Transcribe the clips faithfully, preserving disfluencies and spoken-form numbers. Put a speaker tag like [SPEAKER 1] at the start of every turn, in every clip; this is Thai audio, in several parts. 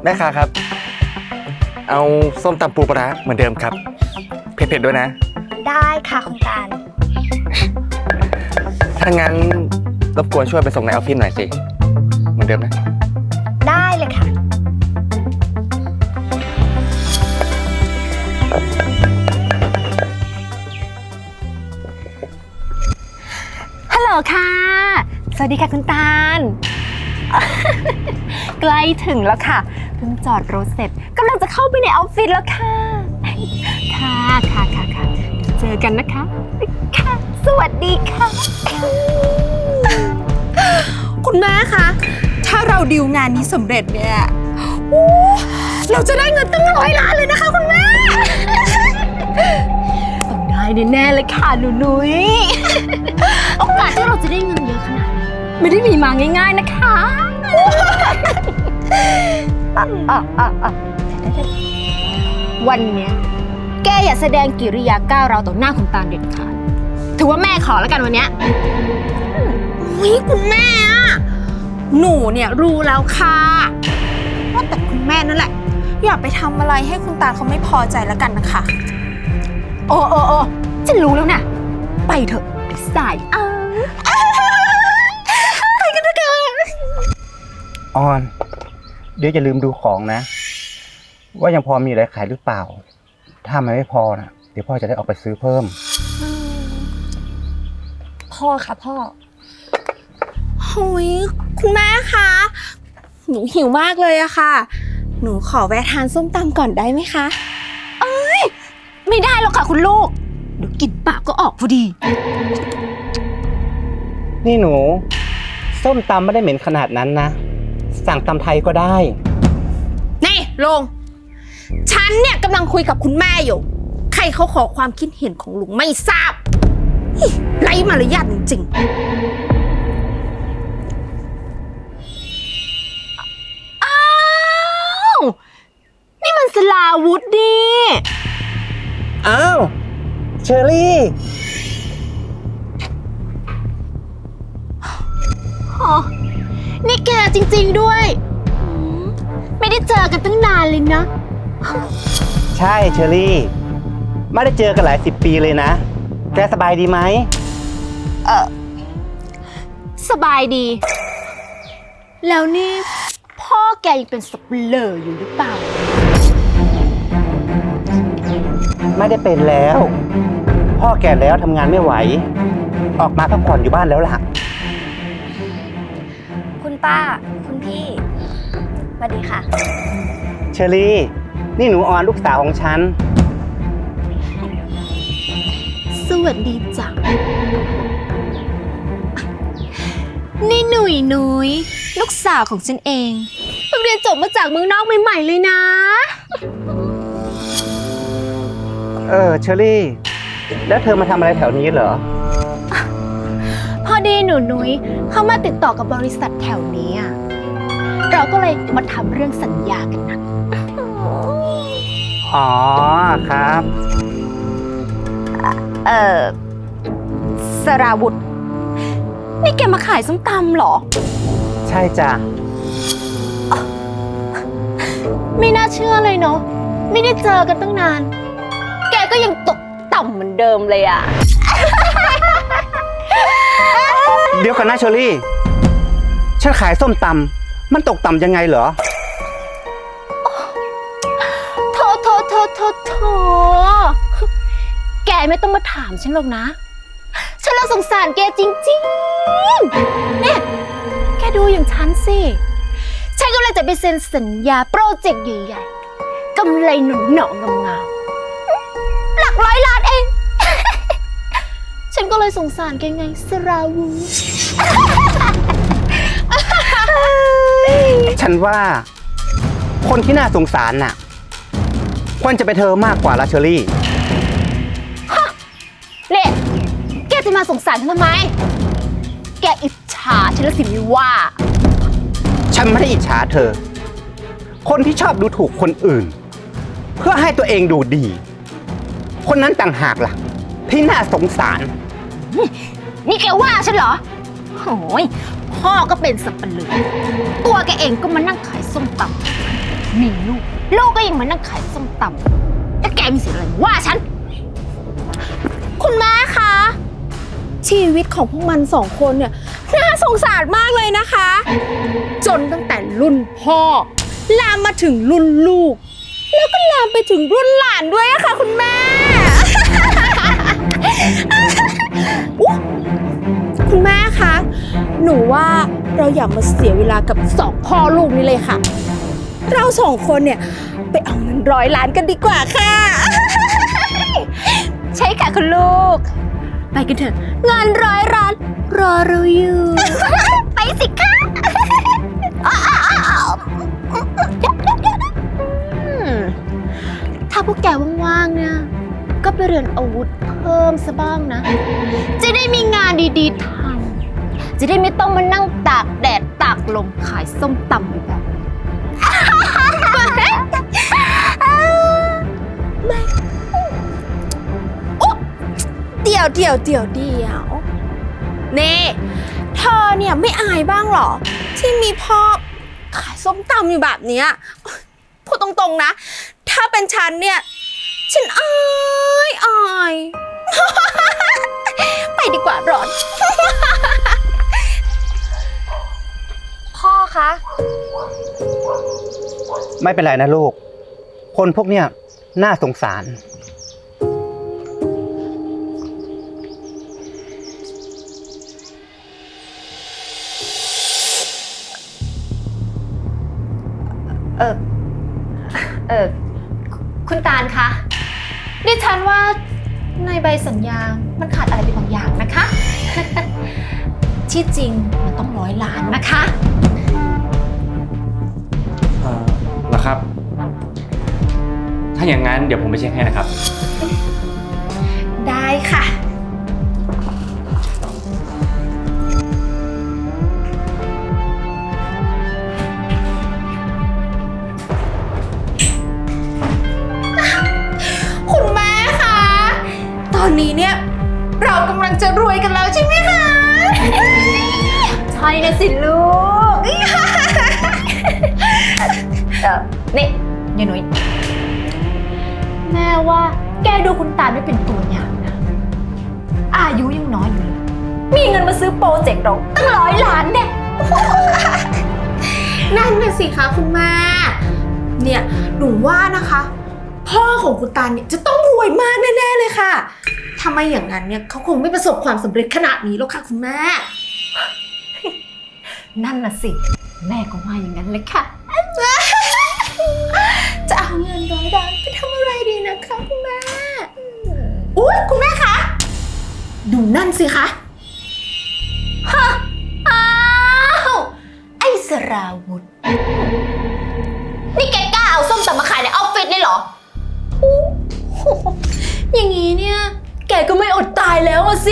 [SPEAKER 1] แม่ค้าครับ เอาส้มตำปูปลาร้าเหมือนเดิมครับเผ็ดๆด้วยนะ
[SPEAKER 2] ได้ค่ะคุณตาล
[SPEAKER 1] ถ้างั้นรบกวนช่วยไปส่งในออฟฟิศหน่อยสิเหมือนเดิมนะ
[SPEAKER 2] ได้เลยค่ะ
[SPEAKER 3] ฮัลโหลค่ะ สวัสดีค่ะคุณตาล ใกล้ถึงแล้วค่ะ เพิ่งจอดรถเสร็จกำลังจะเข้าไปในออฟฟิศแล้วค่ะ ค่ะค่ะค่ะค่ะเดี๋ยวเจอกันนะคะ ค่ะ สวัสดีค่ะ
[SPEAKER 4] คุณแม่คะ ถ้าเราดิวงานนี้สำเร็จเนี่ยโอ้เราจะได้เงินตั้งร้อยล้านเลยนะคะคุณแม่
[SPEAKER 3] ต้องได้แน่ๆเลยค่ะหนูนุ้ย โอกาสที่เราจะได้เงินเยอะขนาดนี้ไม่ได้มีมาง่ายๆนะคะอ่ะอ่ะอ่ะอ่ะวันเนี้ยแกอย่าแสดงกิริยาก้าวร้าวต่อหน้าคุณตาลเด็ดขาดถือว่าแม่ขอแล้วกันวันเนี้ย
[SPEAKER 4] อุ๊ยคุณแม่อะหนูเนี่ยรู้แล้วค่ะว่าแต่คุณแม่นั่นแหละ อย่าไปทำอะไรให้คุณตาเขาไม่พอใจแล้วกันนะคะ
[SPEAKER 3] โอ้โอ้โอ้ฉันรู้แล้วนะไปเถอะไปสายเอา
[SPEAKER 5] ออน เดี๋ยวจะลืมดูของนะ ว่ายังพอมีอะไรขายหรือเปล่า ถ้ามันไม่พอนะเดี๋ยวพ่อจะได้ออกไปซื้อเพิ่ม
[SPEAKER 2] พ่อค่ะพ่อ
[SPEAKER 4] หุยคุณแม่คะ หนูหิวมากเลยอะค่ะ หนูขอแวะทานส้มตำก่อนได้ไหมคะ
[SPEAKER 3] ไม่ได้หรอกค่ะคุณลูกเดี๋ยวกินปากก็ออกพอดี
[SPEAKER 5] นี่หนู ส้มตำไม่ได้เหม็นขนาดนั้นนะ สั่งตำไทยก็ได้
[SPEAKER 4] นี่ลุงฉันเนี่ยกำลังคุยกับคุณแม่อยู่ ใครเขาขอความคิดเห็นของลุงไม่ทราบอิ๊ะไร้มารยาทจริงๆ
[SPEAKER 3] อ้าวนี่มันสลาวุธดิ
[SPEAKER 5] อ้าว เชอรี่
[SPEAKER 3] อ๋อนี่แกจริงๆด้วยหืมไม่ได้เจอกันตั้งนานเลยนะ
[SPEAKER 5] ใช่เชอรี่ ไม่ได้เจอกันหลายสิบปีเลยนะ แกสบายดีไหม
[SPEAKER 3] เออสบายดี แล้วนี่พ่อแกยังเป็นสับเปลออยู่หรือเปล่า
[SPEAKER 5] ไม่ได้เป็นแล้ว พ่อแก่แล้วทำงานไม่ไหว ออกมาพักผ่อนอยู่บ้านแล้วล่ะ
[SPEAKER 2] คุณป้า คุณพี่สวัสดีค่ะ
[SPEAKER 5] เชอรี่ นี่หนูออนลูกสาวของฉัน
[SPEAKER 3] สวัสดีจ้ะนี่หนุ่ยหนุยลูกสาวของฉันเองเพิ่งเรียนจบมาจากเมืองนอกใหม่ๆเลยนะ
[SPEAKER 5] เออเชอรี่ แล้วเธอมาทำอะไรแถวนี้เหรอ
[SPEAKER 3] พอดีหนูนุ้ยเขามาติดต่อกับบริษัทแถวนี้อะเราก็เลยมาทำเรื่องสัญญากันนะ
[SPEAKER 5] อ๋อครับ
[SPEAKER 3] เออสราวุธนี่แกมาขายส้มตำเหรอ
[SPEAKER 5] ใช่จ้ะ
[SPEAKER 3] ไม่น่าเชื่อเลยเนาะไม่ได้เจอกันตั้งนาน แกก็ยังตกต่ำเหมือนเดิมเลยอะ
[SPEAKER 5] เดี๋ยวกันนะเชอรี่ ฉันขายส้มตำมันตกต่ำยังไงเหรอ
[SPEAKER 3] โถโถโถโถโถแกไม่ต้องมาถามฉันหรอกนะ ฉันละสงสารแกจริงๆเนี่ยแกดูอย่างฉันสิ ฉันกำลังจะไปเซ็นสัญญาโปรเจกต์ใหญ่ๆกำไรหนุนหนองงามๆหลักร้อยล้านเอง ฉันก็เลยสงสารแกไงสราวุธ
[SPEAKER 5] ฉันว่าคนที่น่าสงสารน่ะควรจะเป็นเธอมากกว่าละเชอรี่
[SPEAKER 3] เนี่ยแกจะมาสงสารฉันทำไม แกอิจฉาฉันละสิมิว่า
[SPEAKER 5] ฉันไม่ได้อิจฉาเธอ คนที่ชอบดูถูกคนอื่น เพื่อให้ตัวเองดูดี คนนั้นต่างหากล่ะ ที่น่าสงสาร
[SPEAKER 3] นี่แกว่าฉันเหรอโอ้ยพ่อก็เป็นสับปะเลอตัวแกเองก็มานั่งขายส้มตำมีลูก ลูกก็ยังมานั่งขายส้มตำแล้วแกมีสิทธิ์อะไรมาว่าฉัน
[SPEAKER 4] คุณแม่คะ ชีวิตของพวกมันสองคนเนี่ยน่าสงสารมากเลยนะคะ จนตั้งแต่รุ่นพ่อ ลามมาถึงรุ่นลูก แล้วก็ลามไปถึงรุ่นหลานด้วยอะค่ะคุณแม่ อุ๊ยคุณแม่คะ หนูว่าเราอย่ามาเสียเวลากับสองพ่อลูกนี้เลยค่ะ เราสองคนเนี่ยไปเอาเงินร้อยล้านกันดีกว่าค่ะ
[SPEAKER 3] ใช่ค่ะคุณลูก ไปกันเถอะงานร้อยร้านรอเราอยู่ ไปสิคะอืมถ้าพวกแกว่างๆเนี่ยก็ไปเรียนอาวุธเพิ่มซะบ้างนะ จะได้มีงานดีๆทำจะได้ไม่ต้องมานั่งตากแดดตากลมขายส้มตำแบบนี้
[SPEAKER 4] เดี๋ยวเดี๋ยวเดี๋ยวเดี๋ยวนี่เธอเนี่ยไม่อายบ้างเหรอ ที่มีพ่อขายส้มตำอยู่แบบเนี้ยพูดตรงๆนะ ถ้าเป็นฉันเนี่ย ฉันอายอาย ไปดีกว่าร้อน
[SPEAKER 2] พ่อคะ
[SPEAKER 5] ไม่เป็นไรนะลูก คนพวกเนี้ยน่าสงสาร
[SPEAKER 3] เออเออคุณตาลคะดิฉันว่าในใบสัญญา มันขาดอะไรไปบางอย่างนะคะ ที่จริงมันต้องร้อยล้านนะคะ
[SPEAKER 1] เอ่อเหรอครับ ถ้าอย่างนั้นเดี๋ยวผมไปเช็คให้นะครับ
[SPEAKER 4] ได้ค่ะ คุณแม่คะ ตอนนี้เนี่ย เรากำลังจะรวยกันแล้วใช่ไหมคะ
[SPEAKER 3] ใช่นะสิลูก เออนี่ยายหนุ่ยแม่ว่าแกดูคุณตาลไม่เป็นตัวอย่างนะ อายุยังน้อยอยู่เลย มีเงินมาซื้อโปรเจกต์เราตั้งร้อยล้านเนี่ย
[SPEAKER 4] นั่นน่ะสิคะคุณแม่ เนี่ยหนูว่านะคะ พ่อของคุณตาลเนี่ยจะต้องรวยมากแน่ๆเลยค่ะถ้าไม่อย่างนั้นเนี่ยเขาคงไม่ประสบความสำเร็จขนาดนี้หรอกค่ะคุณแม่
[SPEAKER 3] นั่นน่ะสิ แม่ก็ว่าอย่างนั้นเลยค่ะ
[SPEAKER 4] จะเอาเงินร้อยล้านไปทำอะไรดีนะคะคุณแม่อุ๊ยคุณแม่คะ ดูนั่นสิคะ
[SPEAKER 3] อ้าว ไอ้สราวุธ นี่แกกล้าเอาส้มตำมาขายในออฟฟิศเลยเหรออู้หูอย่างนี้เนี่ย แกก็ไม่อดตายแล้วอะสิ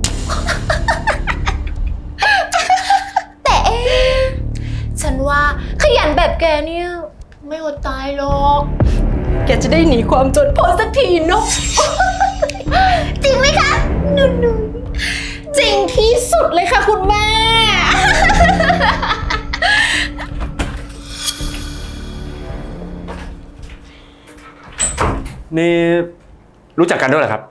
[SPEAKER 3] แต่เอ๊ะฉันว่าขยันแบบแกเนี่ย ไม่อดตายหรอก แกจะได้หนีความจนพ้นสักทีเนาะ จริงไหมคะนุ่นๆ
[SPEAKER 4] จริงที่สุดเลยค่ะคุณแม่
[SPEAKER 1] นี่รู้จักกันด้วยเหรอครับ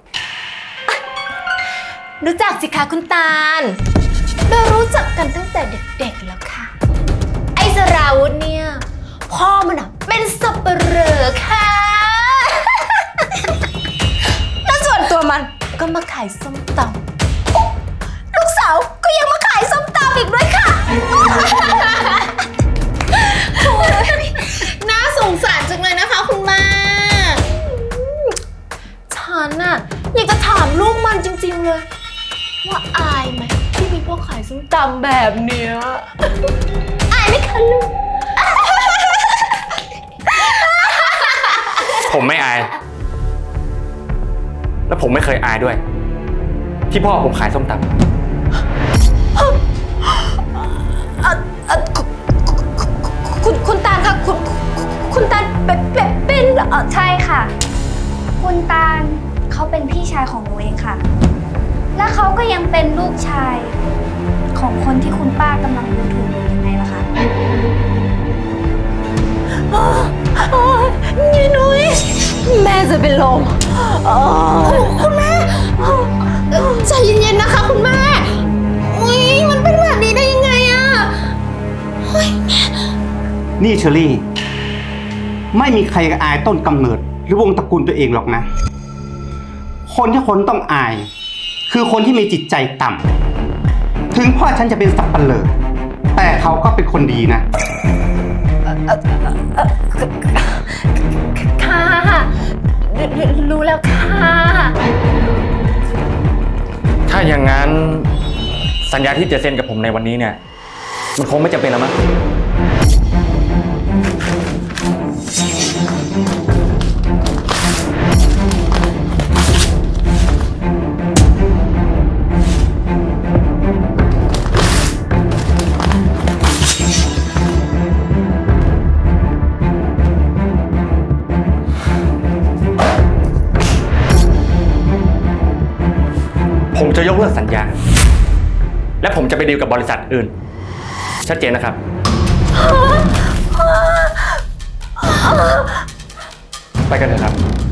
[SPEAKER 3] รู้จักสิคะคุณตาล เรารู้จักกันตั้งแต่เด็กๆแล้วค่ะ ไอ้สราวุธเนี่ย พ่อมันอ่ะเป็นสับเปลอค่ะ แล้วส่วนตัวมันก็มาขายส้มตำลูกสาวก็ยังมาขายส้มตำอีกด้วยค่ะ
[SPEAKER 4] น่าสงสารจังเลยนะคะคุณแม่
[SPEAKER 3] ฉันน่ะอยากจะถามลูกมันจริงๆเลย ว่าอายไหมที่มีพ่อขายส้มตำแบบเนี้ย อายไหมคะลูก
[SPEAKER 1] ผมไม่อาย และผมไม่เคยอายด้วย ที่พ่อผมขายส้มตำ
[SPEAKER 3] คุณคุณตาลคะคุณคุณตาลเป็นเป็นเป็นเอ่อ
[SPEAKER 2] ใช่ค่ะ คุณตาลเขาเป็นพี่ชายของหนูเองค่ะ และเขาก็ยังเป็นลูกชายของคนที่คุณป้ากำลังดูถูกอยู่ยังไงล่ะคะ
[SPEAKER 3] โอ๊ยยายนุ้ยแม่จะเป็นลมโอ๊ย
[SPEAKER 4] คุณแม่ใจเย็นๆนะคะคุณแม่อุ้ยมันเป็นแบบนี้ได้ยังไงอะเฮ้ย
[SPEAKER 5] นี่เชอรี่ ไม่มีใครอายต้นกำเนิด หรือวงตระกูลตัวเองหรอกนะ คนที่คนต้องอาย คือคนที่มีจิตใจต่ำถึงพ่อฉันจะเป็นสับปะเลอแต่เขาก็เป็นคนดีนะ
[SPEAKER 3] ค่ะรู้รู้แล้วค่ะ
[SPEAKER 1] ถ้าอย่างนั้นสัญญาที่จะเซ็นกับผมในวันนี้เนี่ย มันคงไม่จำเป็นแล้วมั้ง ผมจะยกเลิกสัญญา และผมจะไปดีลกับบริษัทอื่น ชัดเจนนะครับ ไปกันเถอะครับ